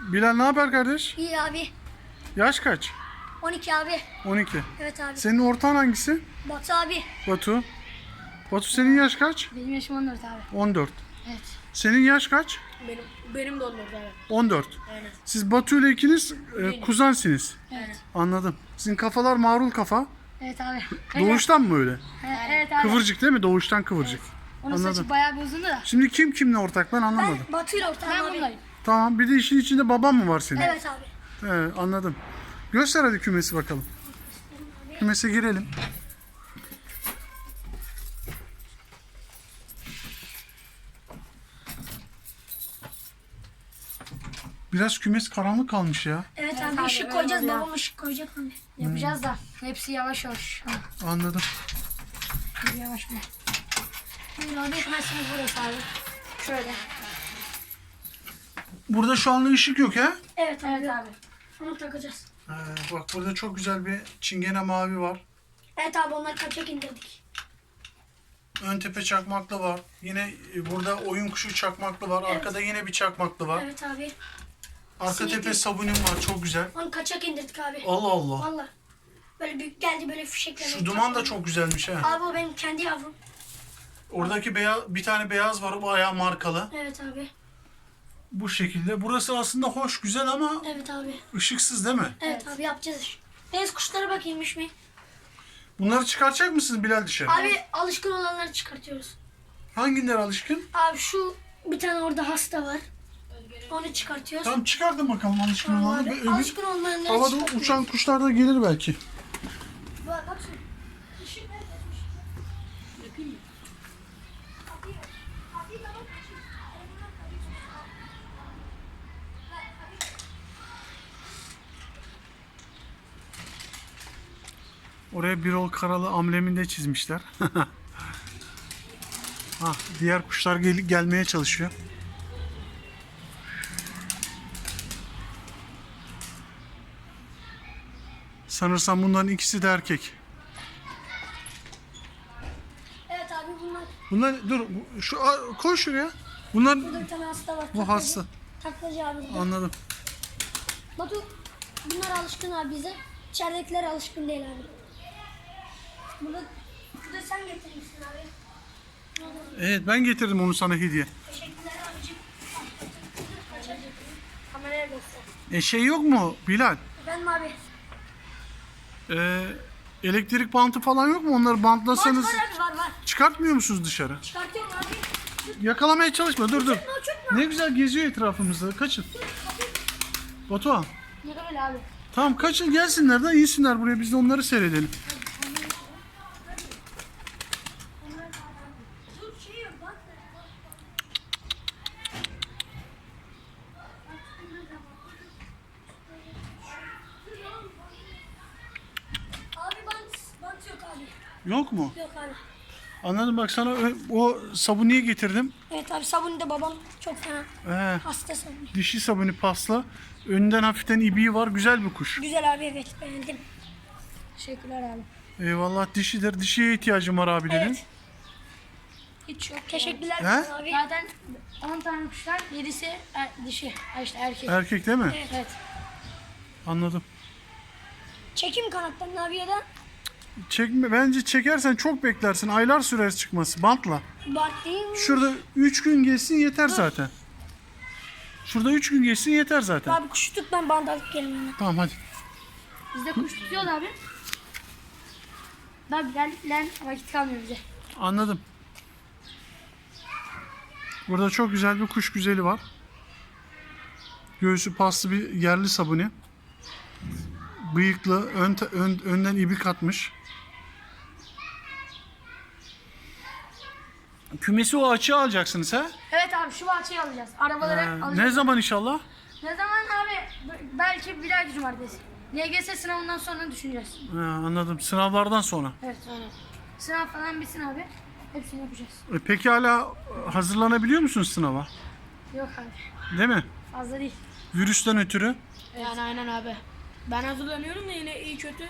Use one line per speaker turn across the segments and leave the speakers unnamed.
Bilal ne haber kardeş?
İyi abi.
Yaş kaç?
12 abi.
12.
Evet abi.
Senin ortağın hangisi?
Batu abi.
Batu. Batu senin yaş kaç?
Benim yaşım 14 abi.
14.
Evet.
Senin yaş kaç?
Benim de 14 abi.
14.
Aynen.
Siz Batu ile ikiniz kuzensiniz.
Evet.
Anladım. Sizin kafalar marul kafa.
Evet abi.
Doğuştan mı öyle?
Evet abi.
Kıvırcık değil mi? Doğuştan kıvırcık.
Onun
Anladım.
saçı bayağı bir uzundu da.
Şimdi kim kimle ortak ben anlamadım.
Ben Batu'yla ortağım abi. Ben bunlayım.
Tamam bir de işin içinde babam mı var senin?
Evet abi.
Anladım. Göster hadi kümesi bakalım. Kümese girelim. Biraz kümes karanlık kalmış ya.
Evet abi. Işık koyacağız. Babam ışık koyacak abi. Yapacağız da. Hepsi yavaş yavaş.
Anladım.
Yavaş mı? Buyur abi. Kümesimiz burası abi. Şöyle.
Burada şu anda ışık yok ha?
Evet abi. Evet abi. Onu takacağız.
Bak burada çok güzel bir çingene mavi var.
Evet abi onları kaçak indirdik.
Ön tepe çakmaklı var. Yine burada oyun kuşu çakmaklı var.
Evet.
Arkada yine bir çakmaklı var.
Evet abi.
Arka
Sinek
tepe
yok.
sabunim var. Çok güzel.
Onu kaçak indirdik abi.
Allah Allah.
Valla. Böyle büyük geldi böyle fişekle.
Şu duman da çok güzelmiş ha.
Abi o benim kendi yavrum.
Oradaki beyaz, bir tane beyaz var. O bayağı markalı.
Evet abi.
Bu şekilde. Burası aslında hoş, güzel ama
Evet abi.
ışıksız değil mi?
Evet abi yapacağız. Deniz kuşlara bakayımmış mı?
Bunları çıkartacak mısınız Bilal dışarı?
Abi alışkın olanları çıkartıyoruz.
Hangileri alışkın?
Abi şu bir tane orada hasta var. Onu çıkartıyoruz.
Tamam çıkartın bakalım alışkın
Tamam
olanı.
abi.
Ve öbür
Alışkın olmayanları
havada
çıkartıyoruz.
uçan kuşlar da gelir belki.
Bak şu. Işık nerede?
Yakayım mı?
Oraya Birol Karalı ambleminde çizmişler. Diğer kuşlar gelmeye çalışıyor. Sanırsam bunların ikisi de erkek.
Evet abi bunlar.
Bunlar dur koy şuraya. Bunlar
Burada bir tane hasta var.
bu
taklacı.
hasta.
Taklacı abi burada.
Anladım.
Batu bunlar alışkın abi bize. İçeridekiler alışkın değil abi. Burada sen getirmişsin abi.
Evet ben getirdim onu sana hediye.
Teşekkürler abicim. Kameraya göster.
Şey yok mu Bilal?
Efendim abi.
Elektrik bantı falan yok mu? Onları bantlasanız
Var abi var.
çıkartmıyor musunuz dışarı?
Çıkartıyorum abi.
Yakalamaya çalışma. Dur.
Uçurma.
Ne güzel geziyor etrafımızda. Kaçın. Batuhan.
Ne kadar abi?
Tamam kaçın gelsinler de insinler buraya. Biz de onları seyredelim.
Dur şey yok bak. Abi bant yok abi.
Yok mu?
Yok abi.
Anladım bak sana o sabuniyi getirdim.
Evet abi sabunu da babam çok fena. Hasta sabunu.
Dişi sabuni pasla. Önden hafiften ibiği var. Güzel bir kuş.
Güzel abi evet beğendim. Teşekkürler abi.
Eyvallah dişidir. Dişiye ihtiyacım var abi dedin.
Evet. Hiç yok. Teşekkürler
He?
abi. Zaten 10 tane kuşlar 7'si dişi. İşte erkek.
Erkek değil mi?
Evet.
Anladım.
Çekim kanatlarını abi ya da
Bence çekersen çok beklersin. Aylar sürer çıkması. Bantla.
bant değil mi?
Şurada 3 gün geçsin yeter zaten. Şurada 3 gün geçsin yeter zaten.
Abi kuşu tut ben bant alıp geleyim hemen.
Tamam hadi.
Bizde kuş tutuyor abi. Daha bilal'le vakit kalmıyor bize.
Anladım. Burada çok güzel bir kuş güzeli var. Göğsü paslı bir yerli sabuni. Bıyıklı, önden ibik atmış. Kümesi o açığa alacaksınız ha?
Evet abi şu bahçeyi alacağız. Arabaları alacağız.
Ne zaman inşallah?
Ne zaman abi? Belki bir ay cumartesi. LGS sınavından sonra düşüneceğiz.
Anladım. Sınavlardan sonra.
Evet. Sınav falan bitsin abi. Hepsini yapacağız.
Peki hala hazırlanabiliyor musunuz sınava?
Yok abi.
Değil mi?
Fazla değil.
Virüsten ötürü.
Yani aynen abi. Ben hazırlanıyorum da yine iyi kötü.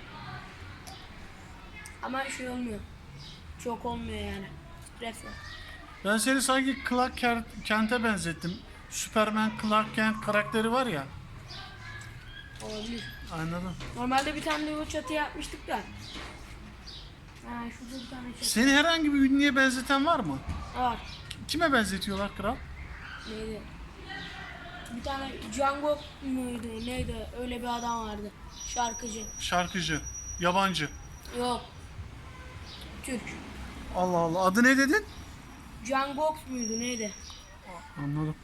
Ama şey olmuyor. Çok olmuyor yani. Stres var.
Ben seni sanki Clark Kent'e benzettim. Superman, Clark Kent karakteri var ya.
Olabilir.
Anladım.
Normalde bir tane de o çatı yapmıştık da. Ha, şurada bir tane çatı
Seni herhangi bir ünlüye benzeten var mı?
var.
Kime benzetiyorlar kral?
Neydi? Bir tane Django muydu neydi? Öyle bir adam vardı. Şarkıcı.
Şarkıcı, yabancı.
Yok. Türk.
Allah Allah. Adı ne dedin?
Django muydu neydi?
Anladım.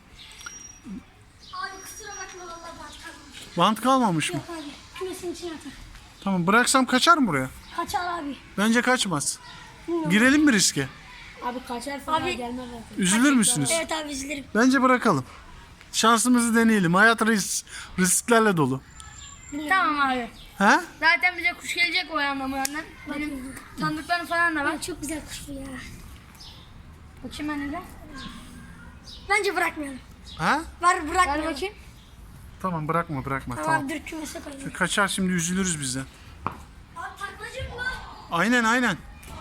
Abi kusura bakma valla bant kalmamış.
Bant kalmamış mı?
Yok abi. Kümesin içine atar.
Tamam, bıraksam kaçar mı buraya?
Kaçar abi.
Bence kaçmaz.
Bilmiyorum.
Girelim mi riske?
Abi kaçar falan
Abi-
gelmez zaten.
Üzülür müsünüz?
Evet abi üzülürüm.
Bence bırakalım. Şansımızı deneyelim. Hayat risklerle dolu.
Tamam abi.
He?
Zaten bize kuş gelecek o yandan bu yandan. Benim tanıdıklarım falan da var.
Ay, çok güzel kuş bu ya.
Bakayım ben de.
Bence bırakmayalım.
Ha?
Var
Ver
bırakmayalım.
bakayım.
Tamam, bırakma.
Tamam,
Tamam.
dur kümese koyalım.
Kaçar, şimdi üzülürüz biz de.
Abi taklacı mı var?
Aynen.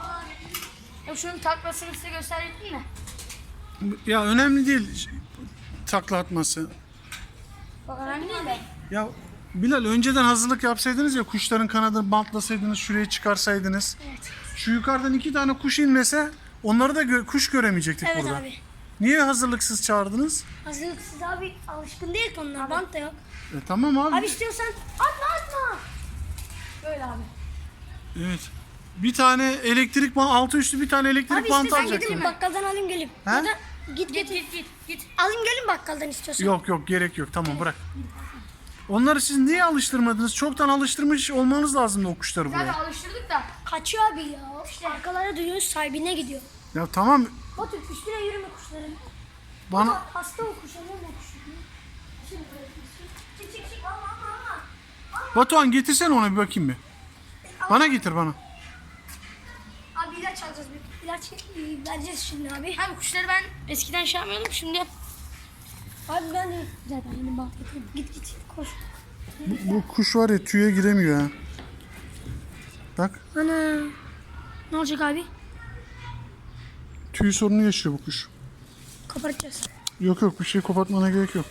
Ya şunun taklasını size gösterecektim de.
Ya önemli değil takla atması.
Bak önemli değil de.
Ya Bilal, önceden hazırlık yapsaydınız ya, kuşların kanadını bantlasaydınız, şuraya çıkarsaydınız.
Evet.
Şu yukarıdan 2 tane kuş inmese onları da kuş göremeyecektik
Evet
burada.
abi.
Niye hazırlıksız çağırdınız?
Hazırlıksız abi alışkın değil ki onlar. Bant da yok.
Tamam abi.
Abi istiyorsan atma.
Böyle abi.
Evet. Bir tane elektrik altı üstü bir tane elektrik
Abi
bantı
istiyorsan
alacaktım.
gidelim bakkaldan alayım gelip.
He?
Ya da git. Alayım gelin bakkaldan istiyorsan.
Yok gerek yok, tamam bırak. Onları siz niye alıştırmadınız? Çoktan alıştırmış olmanız lazımdı o kuşları
Zaten
buraya.
alıştırdık da.
Kaçıyor abi ya. İşte arkalara duyuyoruz sahibine gidiyor.
Ya tamam,
Batu üstüne yürüme kuşların.
bana
Bak, hasta o kuş alıyor mu kuşu? Şimdi çık ama.
Batuhan getirsene ona bir bakayım bir. Bana getir bana.
Abi ilaç alacağız. İlaç vereceğiz şimdi abi.
Abi kuşları ben eskiden şey yapmıyordum şimdi.
Abi ben de zaten yeni bant getirdim. Git koş.
Bu kuş var ya, tüye giremiyor ha. Bak,
Ana. Ne olacak abi?
tüy sorunu yaşıyor bu kuş.
Koparacağız.
Yok bir şey kopartmana gerek yok.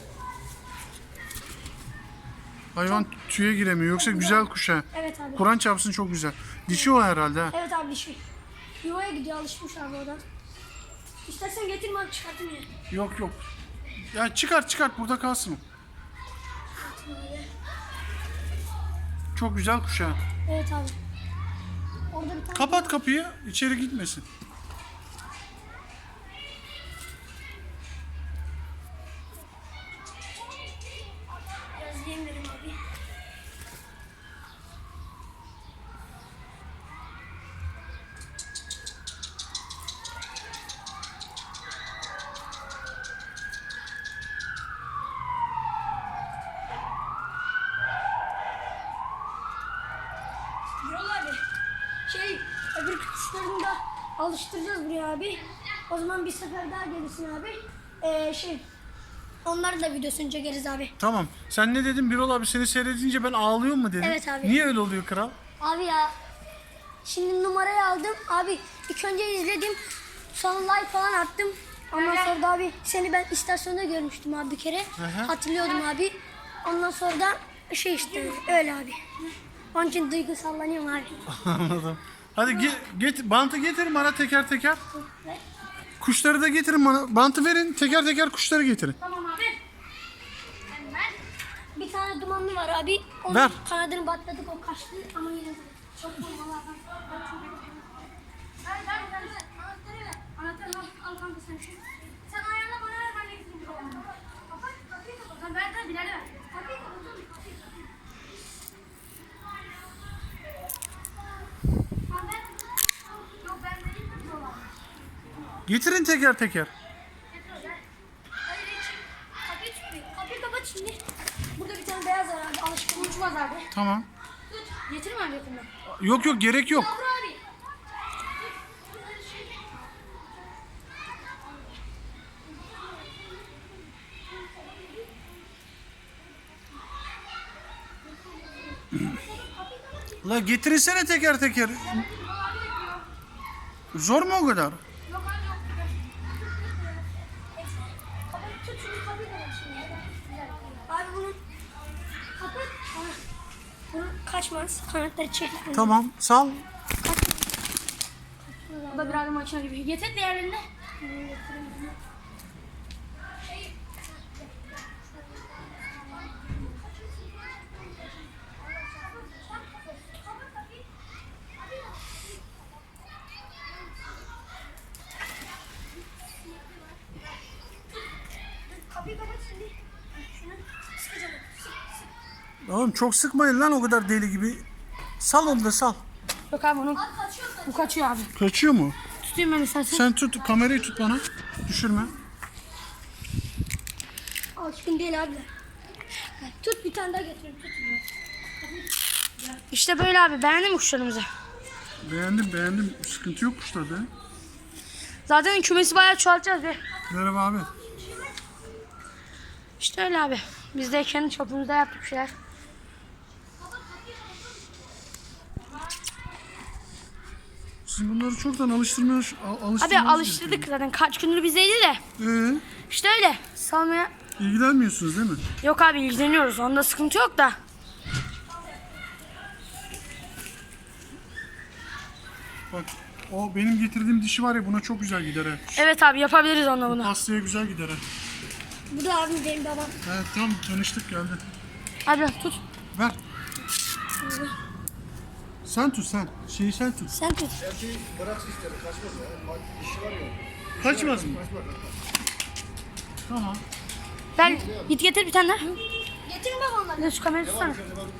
Hayvan tüye giremiyor. Yoksa güzel kuş ha.
Evet abi.
Kur'an çarpsın, çok güzel. Dişi o herhalde ha.
Evet abi dişi. Yuvaya gidiyor alışmış abi oradan. İstersen getirme abi çıkartayım ya.
Yok. Ya çıkart burada kalsın o. Çok güzel kuş ha.
Evet abi. Orada bir tane
Kapat kapıyı, içeri gitmesin.
biraz yem verim abi. Yol abi. Öbür kuşlarını da alıştıracağız buraya abi. O zaman bir sefer daha gelirsin abi. Onların da videosunu çekeriz abi.
Tamam. Sen ne dedin? Birol abi seni seyredince ben ağlıyor mu dedin?
Evet abi.
Niye öyle oluyor kral?
Abi ya. Şimdi numarayı aldım. Abi ilk önce izledim. Sonra like falan attım. Ondan sonra da abi seni ben istasyonda görmüştüm abi bir kere.
hı.
Hatırlıyordum abi. Ondan sonra da işte öyle abi. Onun için duygusallanıyorum abi.
Anladım. Hadi bantı getirin bana teker.
Ve-
Kuşları da getirin bana. Bantı verin, teker kuşları getirin.
Tamam abi. Hemen. Bir tane dumanlı var abi. Onun
Ver.
kanadını batladık o kaçtı ama yine de çok vurmalı adam. Ver. Anahtarı ver. Anahtarı al kanka sen şu. Sen ayağına bana ver ben de getireyim. Kapıyı kapat. Ver Bilal ver. Kapıyı kapat. Yok ben vereyim mi dolar?
Getirin teker.
Kapıyı kapat şimdi. Burada bir tane beyaz var abi. Alışkın uçmaz abi.
Tamam.
Getirme abi yakından.
Yok gerek yok.
Yavru abi.
La getirsene teker. Zor mu o kadar?
Yok abi yok. Tut şunu kaçmaz. Kanatları çekip.
Tamam sal.
O da biraz makine gibi. Getir diğerlerini.
Kapıyı kapat şimdi. Şunu sıkacağım.
Oğlum çok sıkmayın lan o kadar deli gibi. Sal onu da sal.
Yok abi onun.
Kaçıyor.
Bu kaçıyor abi.
Kaçıyor mu?
Tutayım ben istersen.
Sen tut kamerayı tut bana. Düşürme.
Alışkın değil abi. Tut bir tane daha getirin. Tut.
İşte böyle abi. Beğendin mi kuşlarımızı?
Beğendim. Sıkıntı yok kuşlarda. ya.
Zaten kümesi bayağı çoğaltacağız be.
Merhaba abi.
İşte öyle abi. Biz de kendi çapımızda yaptık bir şeyler.
Siz bunları çoktan alıştırmaya
Abi
alıştırmanız
alıştırdık zaten. Kaç gündür bizdeydi de.
gerekiyor.
İşte öyle. Salmaya.
İlgilenmiyorsunuz değil mi?
Yok abi ilgileniyoruz. Onda sıkıntı yok da.
Bak o benim getirdiğim dişi var ya buna çok güzel gider ha.
Evet abi yapabiliriz onunla bunu.
Pastaya güzel gider ha.
Bu da abim benim babam.
Evet tamam tanıştık geldi.
Hadi tut.
Ver. Sen tut sen. Şeyi sen tut.
Sen tut.
Kaçmaz mı? Tamam.
Gel git getir bir tane daha.
Getirin babamları.
Bir de şu kamerayı tutsana.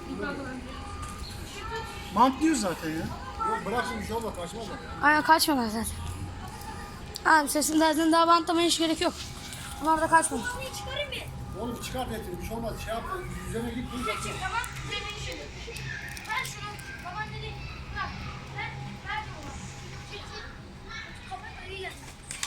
Bantlıyor zaten ya.
Bırak şimdi bir şey olmaz kaçmaz mı?
Aynen kaçmadan zaten. Abi sesin zaten daha bantlamaya hiç gerek yok. Bunlar da kaçmadı.
Bunu çıkarayım mı?
Oğlum bir çıkart etini bir şey olmaz. Şey yapma üzerine git dur zaten.
Tamam. Ver şunu. Baban dedi. Bırak. Ver. Ver baba. Çek. Kapat iyi gel.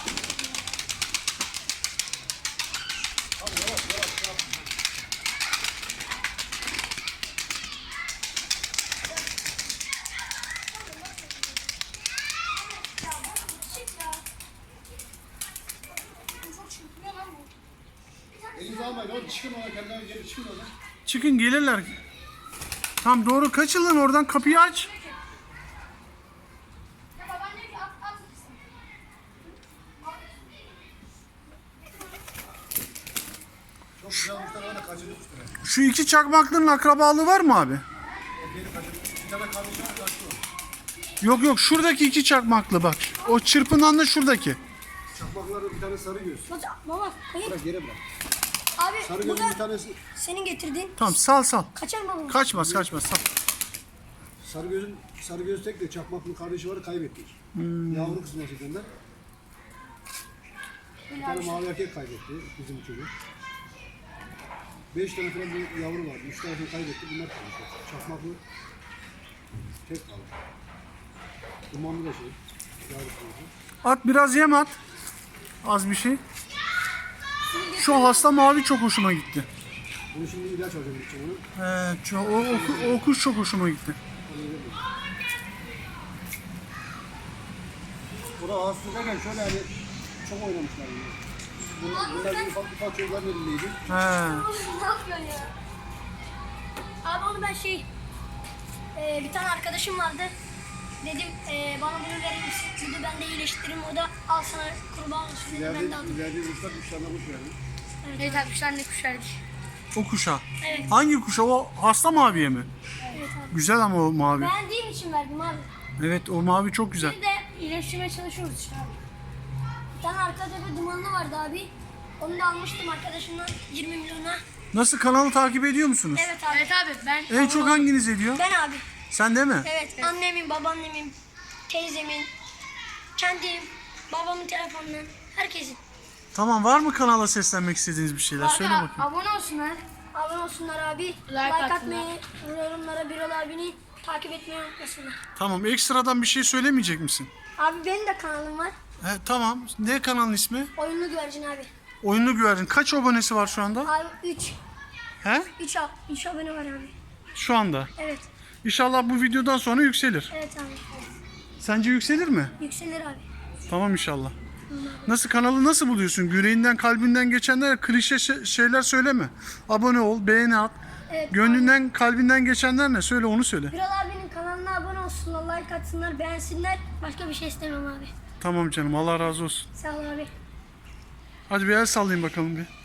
Elinizi almayın oğlum çıkın ona kendilerine geri çıkın oradan.
Çıkın gelirler. Tam doğru kaçın lan oradan kapıyı aç.
Ya baban dedi ki at mısın?
Çok güzel kuşlar var da kaçırdık kuşları.
Şu iki çakmaklının akrabalığı var mı abi?
Beni kaçırdık. Bir tane kardeşim var kaçtı o.
Yok şuradaki iki çakmaklı bak. O çırpınan da şuradaki.
Çakmaklarda bir tane sarı göz.
Baba hayır.
Bırak yere bırak.
Abi
Sarı
bu
gözün bir
da
tanesi.
senin getirdiğin.
Tamam sal.
Kaçar mı babam?
Kaçmaz sal.
Sarı göz tek de çakmaklı kardeşi var kaybettik. Yavru kızım var zaten de. Bir tane mavi erkek kaybetti bizim çocuk. 5 tane falan bir yavru vardı. 3 tanesini kaybetti. Bunlar kaldı. Çakmaklı tek kaldı. Dumanlı da şey. Yavru kızım.
At biraz yem at. Az bir şey. Şu hasta mavi çok hoşuma gitti.
Bunu şimdi ilaç alacağım için onu.
O kuş çok hoşuma gitti.
Bu da Ağustos'tayken şöyle hani çok oynamışlar. Bunlar bir ufak çocukların elindeydi.
He.
Ne yapıyorsun ya? Abi onu ben bir tane arkadaşım vardı. Dedim bana bunu verir misin? Dedi ben de iyileştiririm. O da al sana kurban olsun dedi. Ben de aldım.
İleride uçlar kuşlarına kuş verdi.
Evet abi kuşlar ne kuş verdik.
O kuşa.
Evet.
Hangi kuşa? O hasta maviye mi?
Evet abi.
Güzel ama o mavi.
Beğendiğim için verdim abi.
Evet o mavi çok güzel.
Bir de iyileştirmeye çalışıyoruz işte abi. Bir tane arkada bir dumanlı vardı abi. Onu da almıştım arkadaşımdan 20 milyona.
Nasıl kanalı takip ediyor musunuz?
Evet abi.
Evet abi ben
En çok hanginiz ediyor?
Ben abi.
Sen değil mi?
Evet. Annemin, babaannemin, teyzemin, kendim, babamın telefonundan, herkesin.
Tamam var mı kanala seslenmek istediğiniz bir şeyler? Söyle bakayım.
Abone olsunlar.
Abone olsunlar abi. Like atmayı, yorumlara Birol abini takip etmeyi unutmasınlar.
Tamam ekstradan bir şey söylemeyecek misin?
Abi benim de kanalım var.
Tamam. Ne kanalın ismi?
Oyunlu güvercin abi.
Oyunlu güvercin. Kaç abonesi var şu anda?
Abi 3.
He?
3 abone var abi.
Şu anda.
Evet.
İnşallah bu videodan sonra yükselir.
Evet abi.
Sence yükselir mi?
Yükselir abi.
Tamam inşallah. Nasıl kanalı nasıl buluyorsun? Yüreğinden kalbinden geçenler klişe şeyler söyleme. Abone ol, beğeni at.
Evet.
Gönlünden, kalbinden geçenler ne? Söyle, onu söyle.
Biral abinin kanalına abone olsunlar, like atsınlar, beğensinler. Başka bir şey istemem abi.
Tamam canım, Allah razı olsun.
Sağ ol abi.
Hadi bir el sallayın bakalım bir.